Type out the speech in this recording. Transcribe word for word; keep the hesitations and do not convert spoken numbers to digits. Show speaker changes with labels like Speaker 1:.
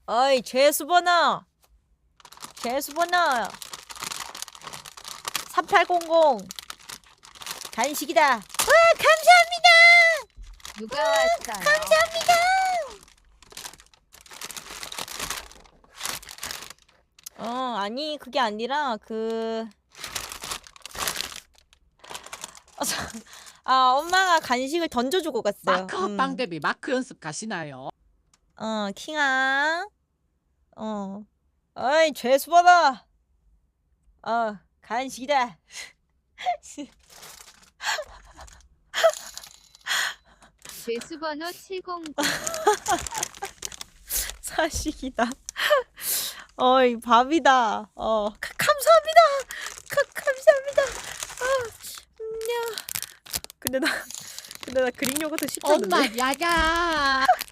Speaker 1: 어이, 죄수번호. 죄수번호. 삼팔공공. 간식이다. 와, 감사합니다.
Speaker 2: 누가 왔어요?
Speaker 1: 감사합니다. 어, 아니, 그게 아니라, 그, 어, 저- 아, 엄마가 간식을 던져주고 갔어요.
Speaker 3: 마크
Speaker 1: 음.
Speaker 3: 합방 대비 마크 연습 가시나요?
Speaker 1: 어, 킹아. 어. 어이, 죄수번호. 어, 간식이다.
Speaker 2: 죄수번호 칠공구.
Speaker 1: 사식이다. 어이, 밥이다. 어, 가, 감사합니다. 가, 감사합니다. 아, 음, 야. 근데 나, 근데 나 그릭 요거트 십점
Speaker 3: 엄마 야야